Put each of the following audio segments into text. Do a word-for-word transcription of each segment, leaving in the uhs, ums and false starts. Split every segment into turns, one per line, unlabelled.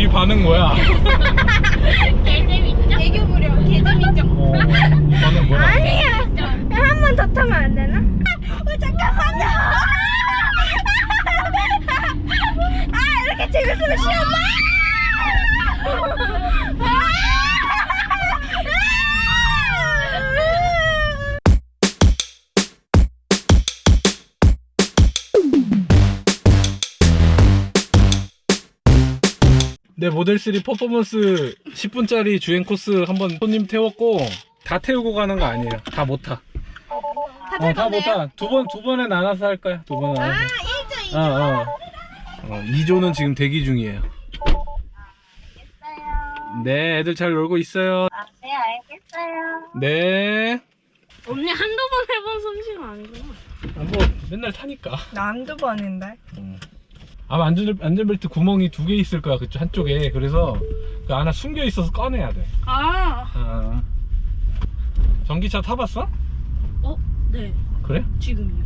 이 반응 뭐야?
개재밌죠? 애교 부려. 개재밌죠?
어, 이 반응 뭐야?
아니야. 한 번 더 타면 안 되나? 어, 잠깐만요. 아, 이렇게 재밌으면 쉬었나?
네, 모델쓰리 퍼포먼스 십 분짜리 주행 코스 한번 손님 태웠고 다 태우고 가는 거 아니에요. 다 못 타. 어, 다 못 타. 두 번, 두 번에 나눠서 할 거야. 두 번에 나눠서.
아, 일 조, 이 조.
어, 어. 어, 이 조는 지금 대기 중이에요. 네, 애들 잘 놀고 있어요.
아, 네, 알겠어요.
네.
언니 한두 번 해본 솜씨가 아니구나.
아, 뭐 맨날 타니까.
나 한두 번인데.
음. 아마 안전, 안전벨트 구멍이 두 개 있을 거야, 그쪽 한쪽에. 그래서 그 하나 숨겨 있어서 꺼내야 돼.
아,
아. 전기차 타봤어?
어, 네,
그래?
지금요.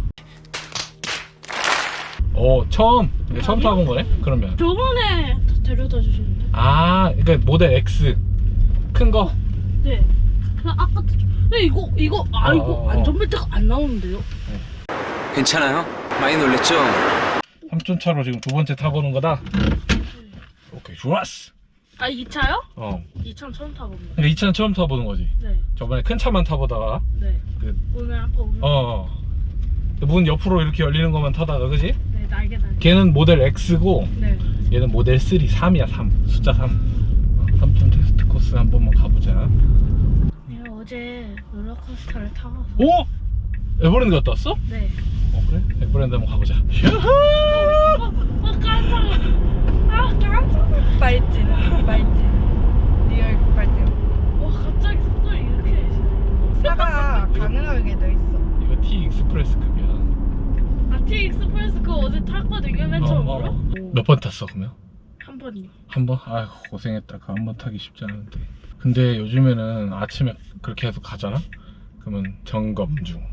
어, 처음. 이거 처음
아니요.
타본 거네? 그러면.
저번에 데려다 주셨는데.
아, 그러니까 모델 X 큰 거.
네. 그 아까 네 이거 이거 아
어,
이거
어, 어.
안전벨트가 안 나오는데요?
괜찮아요? 많이 놀랬죠?
삼촌 차로 지금 두 번째 타보는 거다. 오케이, 좋았어.
아 이 차요?
어.
이 차 처음 타봅니다.
그러니까 이 차는 처음 타보는 거지.
네,
저번에 큰 차만 타보다가
네.
그,
오늘 아까 오늘
어, 어. 문 옆으로 이렇게 열리는 것만 타다가, 그지?
네 날개 날개.
걔는 모델 X고
네.
얘는 모델 쓰리, 삼이야, 삼. 숫자 삼. 어, 삼촌 테스트 코스 한 번만 가보자.
네 어제 롤러코스터를 타봤어.
오! 에버랜드 갔다 왔어?
네.
어, 그래? 에버랜드 한번 가보자.
어, 어 깜짝이야. 아 깜짝이야.
발진, 발진. 리얼 발진.
와 갑자기 속도를 이렇게 내시네.
차가 가능하게 돼 있어.
이거 T 익스프레스급이야.
아 T 익스프레스 그거 어제 탔거든요 맨 처음으로.
몇 번 탔어, 그러면?
한 번이요.
한 번? 아이고, 고생했다. 그 한 번 타기 쉽지 않은데. 근데 요즘에는 아침에 그렇게 해서 가잖아? 그러면 점검 중.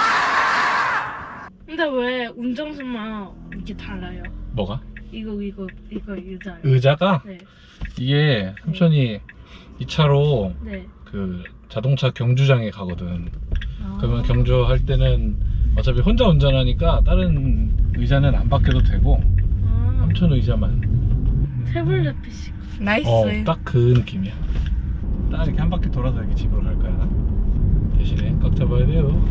근데 왜 운전수만 이렇게 달라요?
뭐가?
이거 이거 이거 의자요.
의자가?
네.
이게 삼촌이 이 차로
네.
그 자동차 경주장에 가거든.
아.
그러면 경주할 때는 어차피 혼자 운전하니까 다른 의자는 안 바뀌어도 되고
아.
삼촌 의자만.
태블릿 피씨.
나이스.
어, 딱 그 느낌이야. 딱 이렇게 한 바퀴 돌아서 이렇게 집으로 갈 거야. 대신에 꽉 잡아야 돼요.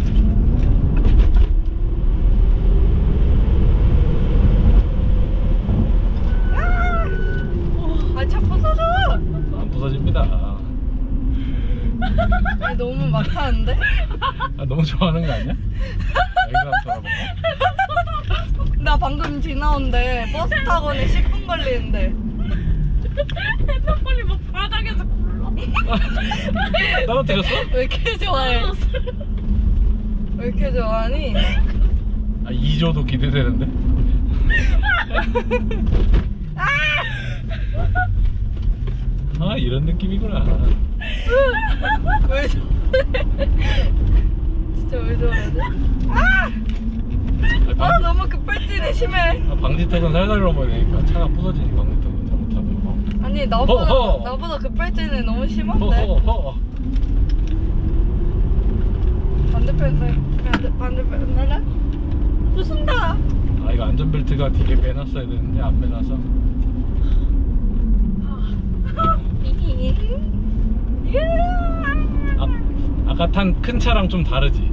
아, 차 부서져.
안 부서집니다.
아니, 너무 막 타는데?
아, 너무 좋아하는 거 아니야? 여기서 한번 돌아볼까?
나 방금 지나온데 버스 타고는 십 분 걸리는데.
핸드폰이 막 바닥에서 굴러.
떨어뜨렸어?
왜 이렇게 좋아해? 왜 이렇게 좋아하니?
아, 이 조도 기대되는데? 아, 이런 느낌이구나.
왜 저래? 진짜 왜 저러지? 아!
아,
아,
방지,
너무 급발진이 심해.
아, 방지턱은 살살 넘어야 되니까 차가 부서지니, 방지턱은 잘못하면.
아니, 나보다,
허허.
나보다 급발진이 너무 심한데?
허허허.
반대편, 반대, 반대편, 나라? 부순다.
아, 이거 안전벨트가 뒤에 빼놨어야 되는데 안 빼놔서. 아, 아까 탄 큰 차랑 좀 다르지?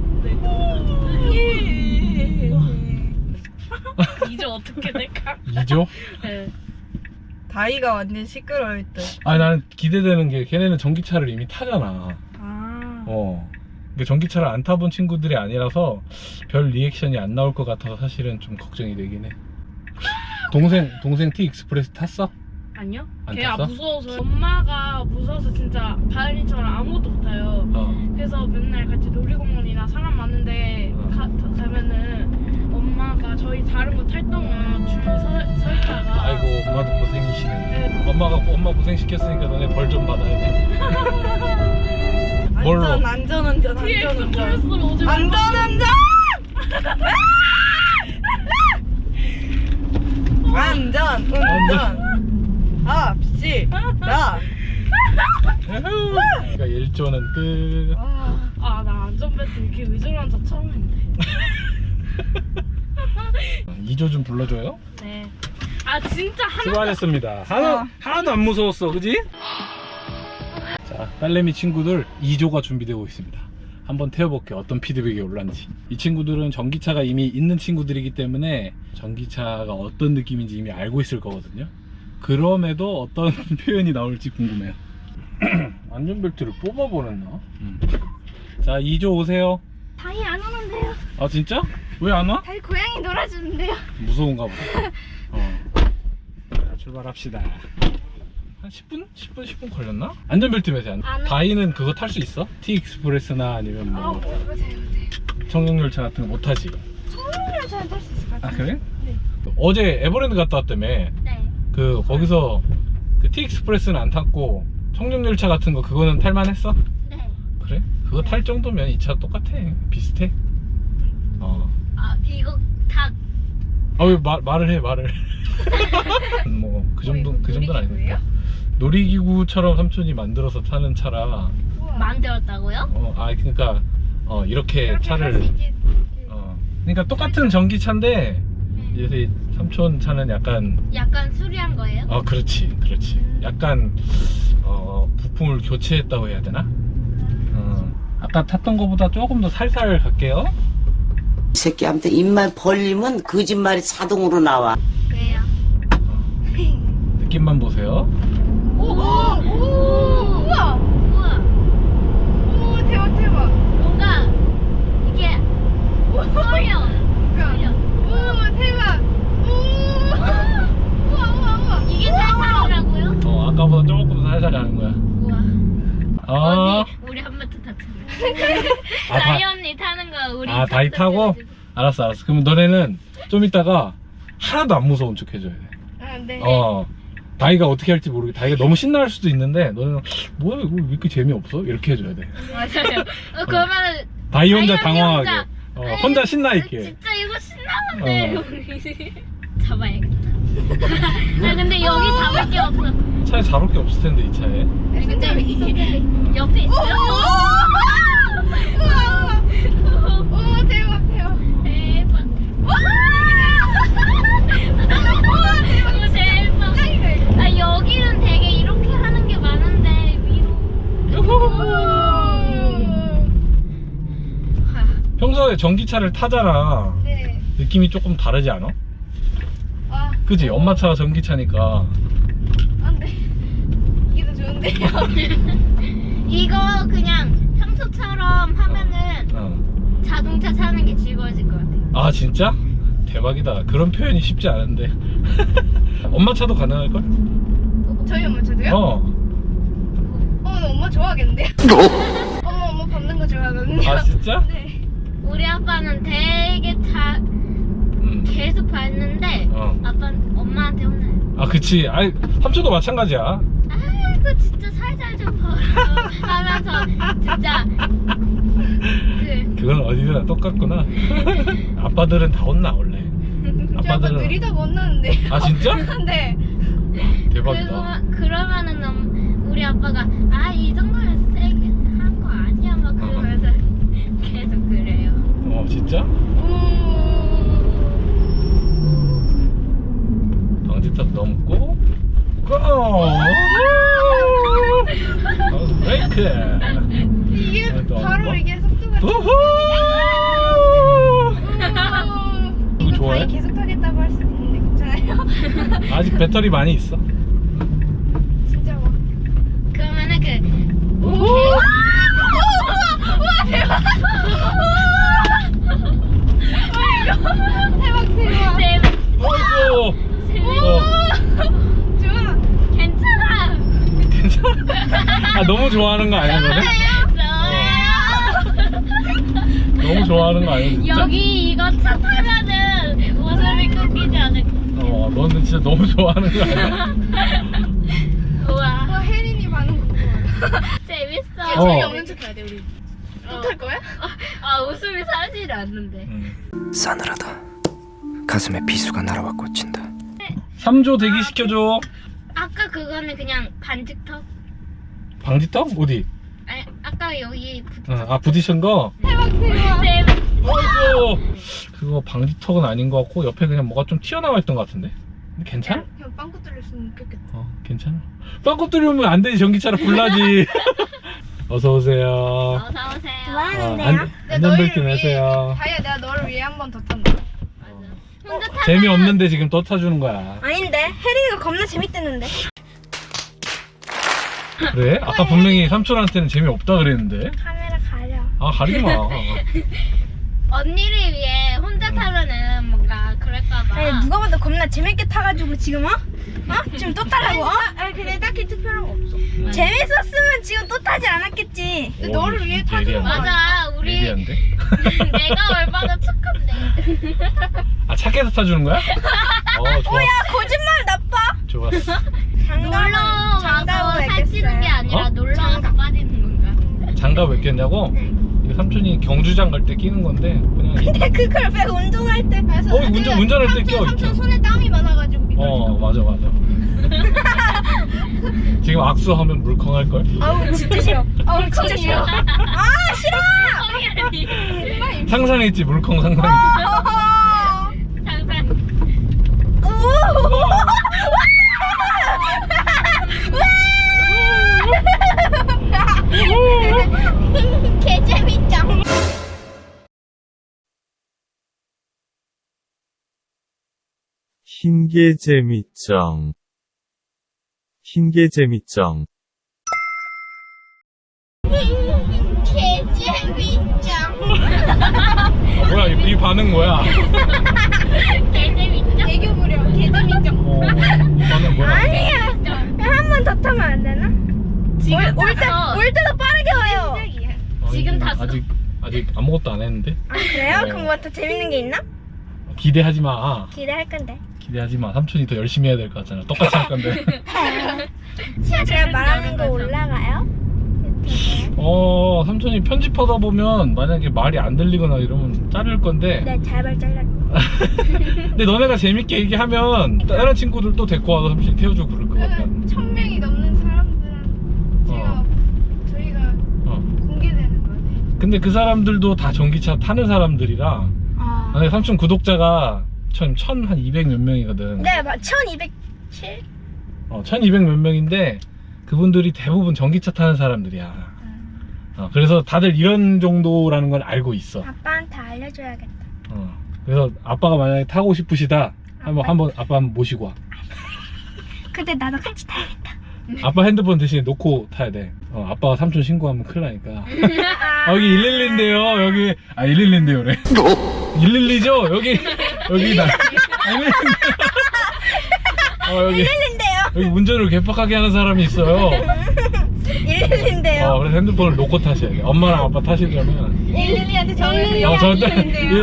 이제 어떻게 될까?
이 조?
네.
다이가 완전 시끄러울 듯.
아니, 나는 기대되는 게 걔네는 전기차를 이미 타잖아.
아.
어. 그러니까 전기차를 안 타본 친구들이 아니라서 별 리액션이 안 나올 것 같아서 사실은 좀 걱정이 되긴 해. 동생, 동생 T 익스프레스 탔어?
아니요?
안
걔가
탔어?
무서워서 엄마가 무서워서 진짜 바이린처럼 아무것도 못해요.
어.
그래서 맨날 같이 놀이공원이나 사람 많은데
어.
가, 가면은 엄마가 저희 다른 거 탈 동안 줄 서, 서 있다가
아이고, 엄마도 고생이시네. 엄마가 엄마 고생시켰으니까 너네 벌 좀 받아야 돼. 뭘로?
안전, 안전운전,
T
안전운전.
익스프레스로 오지 말고
안전운전! 안전, 운전. 아, 있지. 나.
그러니까 일 조는 끝.
아, 나 안전벨트 이렇게 의존한 적 처음인데.
이 조 좀 불러줘요.
네. 아, 진짜 하나.
수고하셨습니다. 하나, 하나도 안 무서웠어, 그지? 자, 딸내미 친구들 이 조가 준비되고 있습니다. 한번 태워볼게요. 어떤 피드백이 올라는지. 이 친구들은 전기차가 이미 있는 친구들이기 때문에 전기차가 어떤 느낌인지 이미 알고 있을 거거든요. 그럼에도 어떤 표현이 나올지 궁금해요. 안전벨트를 뽑아버렸나? 음. 자, 이 조 오세요.
다이 안 오는데요.
아, 진짜? 왜 안 와?
다이 고양이 놀아주는데요.
무서운가 보다. 어. 자, 출발합시다. 한 십 분? 십 분, 십 분 걸렸나? 안전벨트 매세 안
안 해.
다이는 그거 탈 수 있어? T익스프레스나 아니면
아,
뭐
못해, 못해.
청룡열차 같은 거 못 타지?
청룡을 잘 탈 수 있을 것
아,
같아요.
그래?
네.
어제 에버랜드 갔다 왔다며.
네.
그 거기서 그 T익스프레스는 안 탔고 청룡열차 같은 거 그거는 탈만했어?
네.
그래? 그거 탈 정도면 이 차 똑같아. 비슷해. 어.
아, 이거 다.
아, 왜 말, 말을 해 말을. 뭐 그 정도 그 정도는 아니니까. 놀이기구처럼 삼촌이 만들어서 타는 차라.
만들었다고요?
어, 아 그러니까 어 이렇게 차를 어 그러니까 똑같은 전기차인데 이제 삼촌 차는 약간
약간 수리한 거예요?
어 그렇지 그렇지 약간 어 부품을 교체했다고 해야 되나? 어 아까 탔던 거보다 조금 더 살살 갈게요.
이 새끼한테 입만 벌리면 거짓말이 자동으로 나와.
왜요?
느낌만 보세요.
오! 오! 우와! 우와! 오, 대박, 대박! 뭔가, 이게, 소리요! 소리요! 오, 대박! 오! 우와, 우와, 우와! 이게 살살이라고요?
어 아까보다 조금 살살 가는 거야.
우와.
아,
언니, 우리 한 번 더 타자.
아, 다-
다이 언니 타는 거, 우리.
아 다이 타고?
탑승해가지고.
알았어 알았어. 그러면 너네는 좀 이따가 하나도 안 무서운 척 해줘야 돼.
아, 네.
어 다이가 어떻게 할지 모르게 다이가 너무 신날 수도 있는데 너는 뭐야 이거 왜 이렇게 재미없어? 이렇게 해줘야 돼.
맞아요. 어, 그러면은.
다이 혼자
다이 언니
당황하게
혼자,
어,
아니,
혼자 신나 있게.
진짜 이거 신나는데.
어.
우리. 잡아야겠다. 아, 근데 여기 잡을 게 없어.
차에 잡을 게 없을 텐데 이 차에.
아니, 근데 이게 옆에 있어요. 오, 대박, 대박. 대박. 오, 대박. 아, 여기는 되게 이렇게 하는 게 많은데, 위로.
평소에 전기차를 타잖아.
네.
느낌이 조금 다르지 않아?
아,
그지? 엄마 차가 전기차니까.
안 돼. 이게 더 좋은데요? 이거 그냥 평소처럼 하면은
어.
자동차 타는 게 즐거워질 것 같아요.
아 진짜? 대박이다. 그런 표현이 쉽지 않은데. 엄마 차도 가능할걸?
저희 엄마 차도요?
어.
어, 나 엄마 좋아하겠는데요? 엄마, 엄마 밟는 거 좋아하거든요.
아 진짜?
네. 우리 아빠는 되게 자,
음.
계속 밟는데
어.
아빠는 엄마한테 혼나요.
아 그치. 아이 삼촌도 마찬가지야.
아이고 진짜 살살 좀 벌어 하면서 진짜 그
그건 어디나 똑같구나. 아빠들은 다 혼나 원래. 아빠들은
느리다고 혼나는데.
아 진짜?
네.
대박이다.
그거, 그러면은 음, 우리 아빠가 아 이 정도면 세게 한 거 아니야 막 그러면서 계속 그래요.
어 진짜? 방지턱 넘고 고! 어, 브레이크!
이게
아, 또
바로
뭐?
이게 속도가
우후! 이거 좋아해?
다이 계속 타겠다고 할 수 있는데 괜찮아요?
아직 배터리 많이 있어.
진짜 뭐 그러면은 그
우후!
우와 대박 대박 대박 대박
어이구! 어,
좋아 괜찮아
괜찮아? 아 너무 좋아하는 거 아니야 너네? 너무 좋아하는 거 아니야 진짜?
여기 이거 차 타면은 웃음이 끊기지 않을
어 너는 진짜 너무 좋아하는 거 아니야?
우와 와 혜린이 반응 궁금하다 재밌어
어.
재미없는 척 해야 돼 우리 못할 거야? 아 웃음이 사라지지 않는데
음.
싸늘하다. 가슴에 비수가 날아와 꽂힌다.
삼 조 대기 시켜줘.
아까 그거는 그냥 반직턱.
방지턱? 어디?
아니 아까 여기 붙.
아, 아 부딪힌 거?
대박 대박.
어이구 그거 방지턱은 아닌 것 같고 옆에 그냥 뭐가 좀 튀어나와 있던 것 같은데? 근데 괜찮아?
그냥 빵꾸 뚫렸으면 웃겼겠다.
어 괜찮아. 빵꾸 뚫리면 안 되지. 전기차로 불나지. 어서 오세요.
어서 오세요.
어, 안, 안전벨트 매세요.
다이야 내가 너를 위해 한 번 더 탄다.
혼자 타면
재미없는데 지금 또 타주는 거야.
아닌데 혜리가 겁나 재밌댔는데.
그래? 아까 분명히 삼촌한테는 재미없다 그랬는데.
카메라 가려.
아 가리지 마.
언니를 위해 혼자 타면은 뭔가 그럴까봐.
아니 누가 봐도 겁나 재밌게 타가지고 지금 어? 어? 지금 또 타라고? 어? 아니 근데 딱히 특별한 거 없어.
음.
재밌었으면 지금 또 타지 않았겠지. 근데
오,
너를 위해
진짜
타주는
예리한데?
거야.
맞아 우리
예리한데?
내가 얼마나 착한데.
아 착해서 타주는 거야? 어 좋아.
야 거짓말 나빠.
좋았어.
놀러 와서
장가고
살찌는 게 아니라
어?
놀러 와서 빠지는 건가?
장갑 왜 꼈냐고? 이거 삼촌이 경주장 갈 때 끼는 건데 그냥. 이-
근데 그걸 왜 운전할 때?
어 운전 운전할 때 껴.
삼촌
있죠.
손에 땀이 많아가지고 미끄러져.
어 맞아 맞아. 지금 악수하면 물컹할 걸.
아우 진짜 싫어. 아우 진짜 싫어. 아 싫어.
아니
상상했지 물컹 상상했지.
어허.
항상
개 재밌죠.
흰개재미점 흰개재미점
개 재밌죠.
아, 뭐야 이, 이 반응 뭐야?
개 재밌죠?
애교 부려. 개 재밌죠.
어, 반응 뭐야?
아니야. 한 번 더 타면 안 되나?
지금
올 때,
탔어.
올 때도 빠르게 와요.
지금
아니,
탔어.
아직 아직 아무것도 안 했는데.
아 그래요?
네.
그럼 뭐 더 재밌는 게 있나?
기대하지 마.
기대할 건데.
기대하지 마. 삼촌이 더 열심히 해야 될 것 같잖아. 똑같이 할 건데.
제가 말하는 거 올라가요? 유튜브에?
어 삼촌이 편집하다 보면 만약에 말이 안 들리거나 이러면 자를 건데.
네, 잘발 잘라.
근데 너네가 재밌게 얘기하면 다른 친구들 또 데리고 와서 삼촌이 태워주고 그럴 것 같아.
천 명이 넘는 사람들은 제가 저희가
어.
공개되는 거예요.
근데 그 사람들도 다 전기차 타는 사람들이라.
아.
근데 삼촌 구독자가 천, 천 한 이백 몇 명이거든.
네, 막 천이백칠.
어, 천이백 몇 명인데 그분들이 대부분 전기차 타는 사람들이야. 어, 그래서 다들 이런 정도라는 걸 알고 있어.
아빠한테 알려줘야겠다.
어, 그래서 아빠가 만약에 타고 싶으시다 한번 한번 아빠 한번 모시고 와.
근데 나도 같이 타야겠다.
아빠 핸드폰 대신에 놓고 타야 돼. 어, 아빠가 삼촌 신고하면 큰일 나니까. 아, 여기 일일이인데요. 여기 아 일일이인데요, 그래. 일일이죠? 여기 여기 나. 어 여기
일일인데요.
여기 운전을 개빡하게 하는 사람이 있어요.
일일인데요.
어, 그래서 핸드폰을 놓고 타셔야 돼. 엄마랑 아빠 타시려면.
일일이한테 전화해서
어,
여기
저,
일일인데요.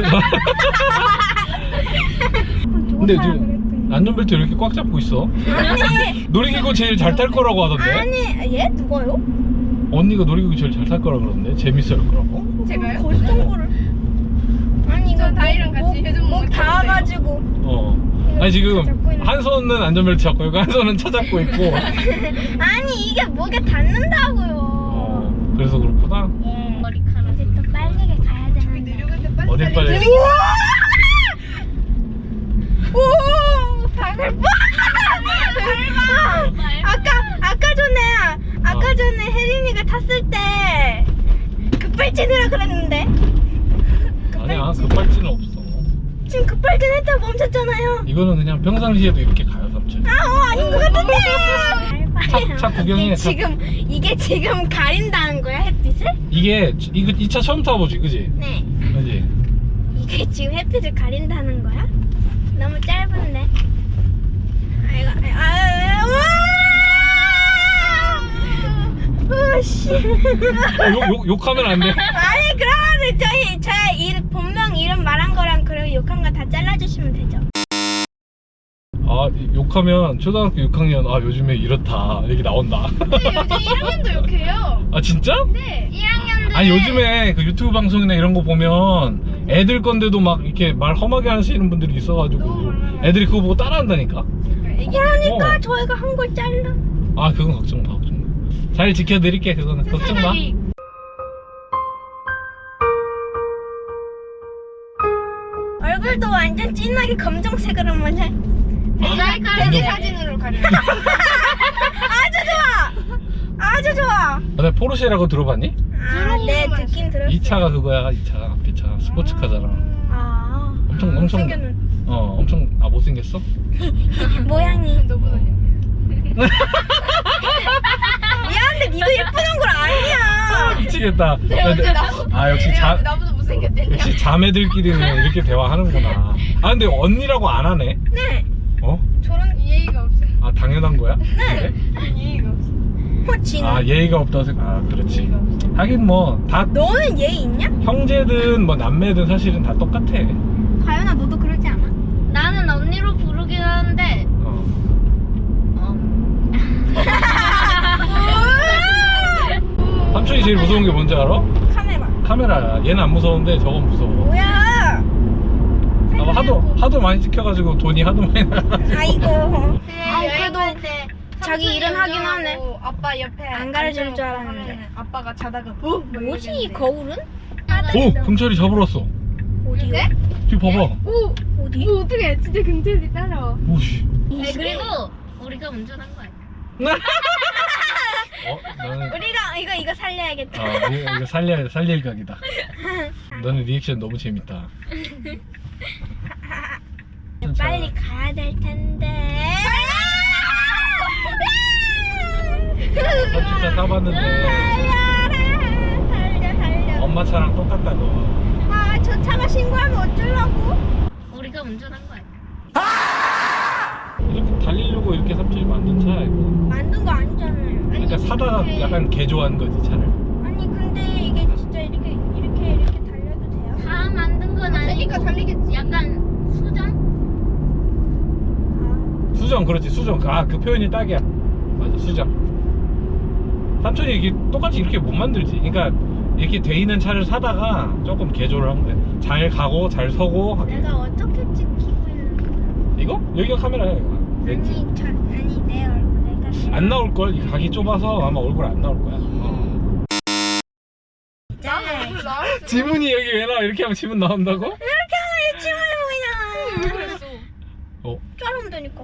근데 지금 안전벨트 이렇게 꽉 잡고 있어.
아니,
놀이기구 제일 잘 탈 거라고 하던데.
아니, 얘 누가요?
언니가 놀이기구 제일 잘 탈 거라고 그러는데. 재밌을 거라고.
제가요? 거짓 정보를. 아니 이거 다이랑 같이 해준 목 닿아가지고.
어. 아니 지금 한 손은 안전벨트 잡고 있고 한 손은 차 잡고 있고.
아니 이게 목에 닿는다고요.
어. 그래서 그렇구나.
예.
머리카락.
이제 또 빠르게 가야 되는데.
어딜 빨리.
오, 방을 빠. 아까 아까 전에 아까
어.
전에 혜린이가 탔을 때 급발진이라 그랬는데
아니야 급발진은 없어.
지금 급발진 했다 멈췄잖아요.
이거는 그냥 평상시에도 이렇게 가요 삼촌.
아, 어, 아닌 것 같은데.
차, 차 구경해.
이게
차.
지금 이게 지금 가린다는 거야 햇빛을?
이게 이거 이 차 처음 타보지, 그지?
네.
그지?
이게 지금 햇빛을 가린다는 거야? 너무 짧은데. 아이고, 아이고, 아이고, 우와! 오씨.
어, 욕, 욕, 욕하면 안 돼.
아니 그러면 저희 제 일, 본명 이름 말한 거랑 그리고 욕한 거 다 잘라주시면 되죠.
아 욕하면 초등학교 육 학년 아 요즘에 이렇다 얘기 나온다.
근데 요즘 일 학년도 욕해요.
아 진짜?
네.
일 학년들.
아니 요즘에 그 유튜브 방송이나 이런 거 보면 애들 건데도 막 이렇게 말 험하게 하시는 분들이 있어가지고 애들이 그거 보고 따라한다니까.
그러니까 그러니까
어.
저희가 한 걸 잘라.
아 그건 걱정 마 걱정 마. 잘 지켜드릴게 그거는 걱정 마.
얼굴도 완전 진하게 검정색으로 한번 해.
모자이크를
사진으로 가려. 아주 좋아. 아주 좋아.
너 포르쉐라고 들어봤니?
아, 네 듣긴 들었어.
이 차가 그거야 이 차 앞에 차 스포츠카잖아.
아.
엄청 엄청
생겼는
어 엄청 아 못생겼어?
모양이. 미안한데 니도 예쁘는 걸 아니야.
미치겠다. 야, 내- 아 역시 자
나보다 못생겼대.
역시 자매들끼리는 이렇게 대화하는구나. 아 근데 언니라고 안 하네.
네.
어?
저런
예의가 없어.
아 당연한 거야?
네.
예의가 없어.
호진.
아 예의가 없다고 생각. 아 그렇지. 하긴 뭐 다
너는 예의 있냐?
형제든 뭐 남매든 사실은 다 똑같아.
가연아 너도 그러지 않아?
나는 언니로 부르긴 하는데
어. 삼촌이 제일 무서운 게 뭔지 알아?
카메라.
카메라야. 얘는 안 무서운데 저건 무서워.
뭐야?
아, 하도 하도 많이 찍혀가지고 돈이 하도 많이 나가.
아이고.
아
그래도 자기 일은 하긴 하네.
아빠 옆에
안 가르칠 줄 알았는데.
아빠가 자다가 어?
뭐지 이 거울은?
오 경찰이 잡으러 왔어.
어디요?
뒤 봐봐.
오!
어디?
오 어떡해 진짜 경찰이 따라와.
오씨.
네, 그리고 우리가 운전한 거야.
어 너는
우리가 이거 이거 살려야겠다.
아 이거 이거 살려 살릴 각이다. 너는 리액션 너무 재밌다.
빨리 가야 될 텐데.
삼촌 차 타봤는데
달려라, 달려 달려.
엄마 차랑 똑같다고.
아, 저 차가 신고하면 어쩌려고?
우리가 운전한 거야.
이렇게 달리려고 이렇게 삼촌이 만든 차야 이거.
만든 거 아니잖아요.
그러니까 사다가 약간 개조한 거지 차를.
아니 근데 이게 진짜 이렇게 이렇게 이렇게 달려도 돼요?
다 만든 건 아니고 달리겠지. 약간 수정?
수정 그렇지 수정. 아 그 표현이 딱이야. 맞아 수정. 삼촌이 이게 똑같이 이렇게 못 만들지. 그러니까 이렇게 돼 있는 차를 사다가 조금 개조를 한 거야. 잘 가고 잘 서고 하게.
내가 어떻게 찍히고 있는 거야?
이거? 여기가 카메라야 이거. 렌즈.
아니 저 아니 내 얼굴 내가 내
안 나올 걸. 이 각이 좁아서 아마 얼굴 안 나올 거야. 어.
있잖아요.
지문이 여기 왜 나와? 이렇게 하면 지문 나온다고?
이렇게 하면 지문이 보이잖아.
그랬어.
어.
자르면 되니까.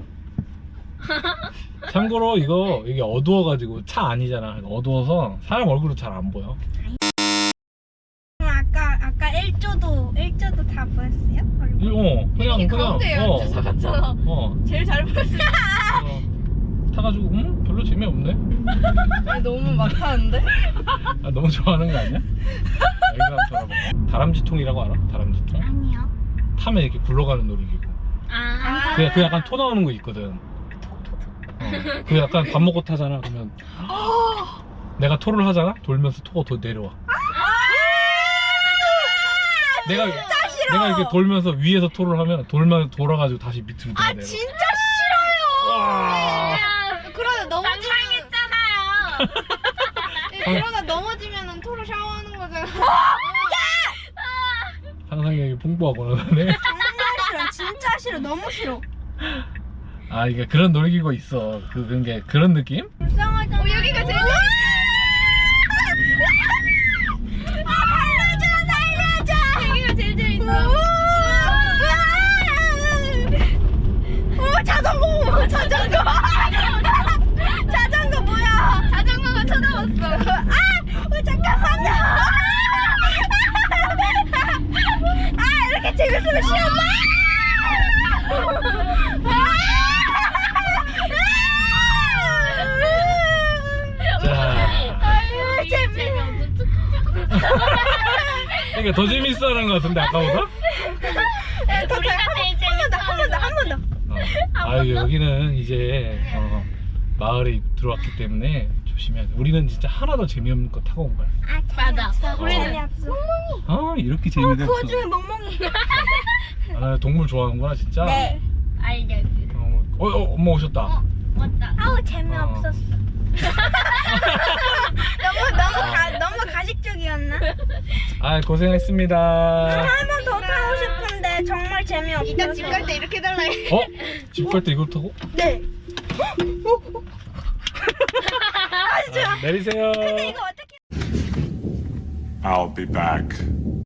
참고로 이거 이게 어두워가지고 차 아니잖아. 어두워서 사람 얼굴도 잘 안 보여.
그럼 아까 아까 일조도 일조도 다 보였어요? 얼굴?
어 그냥 그냥 어,
갔잖아.
어,
제일 잘 보였어.
어 타가지고 음 별로 재미없네.
너무 막 타는데?
아, 너무 좋아하는 거 아니야? 아, 이거 한번 돌아봐. 다람쥐통이라고 알아? 다람쥐통?
아니요.
타면 이렇게 굴러가는 놀이기구.
아.
그, 그 약간 토 나오는 거 있거든. 어. 그 약간 밥 먹고 타잖아. 그러면 내가 토를 하잖아. 돌면서 토가 더 내려와. 내가 내가 이렇게 돌면서 위에서 토를 하면 돌면 돌아가지고 다시 밑으로
아
내려.
진짜 싫어요.
와.
그러다 넘어지면
상-
그러다 넘어지면은 토로 샤워하는 거잖아.
상상력이 풍부하구나 너네.
정말 싫어. 진짜 싫어. 너무 싫어.
아 이게 그런 놀이기구가 있어. 그 그런 게 그런 느낌?
불쌍하잖아.
어, 여기가 제일
아 살려줘 살려줘.
여기가 제일 재밌어.
오 자전거 자전거 자전거 뭐야?
자전거가 쳐다봤어.
아 어, 잠깐만요. 아 이렇게 재밌으면 싫었나?
자,
아유 재미없는 척.
그러니까 더 재밌어하는 것 같은데 아까보다?
우리가 제일 재밌어.
한 번 더 한 번 더.
어. 아 여기는 이제 어, 마을에 들어왔기 때문에 조심해야 돼. 우리는 진짜 하나도 재미없는 거 타고 온 거야.
아
맞아.
우리는
우리는-
없어.
아 이렇게
어,
재미가
그
없어.
와중에 멍멍이.
아 동물 좋아하는구나 진짜.
네.
알겠어.
어, 어, 어 엄마 오셨다.
어 맞다.
아우 재미없었어. 너무 너무
아.
가 너무 가식적이었나?
아 고생했습니다.
한 번 더 타고 싶은데 근데 정말 재미없어서. 이따 집 갈 때 이렇게 달라.
어? 집 갈 때 이걸 타고?
네. 아, 진짜.
아, 내리세요.
근데 이거 어떻게?
I'll be back.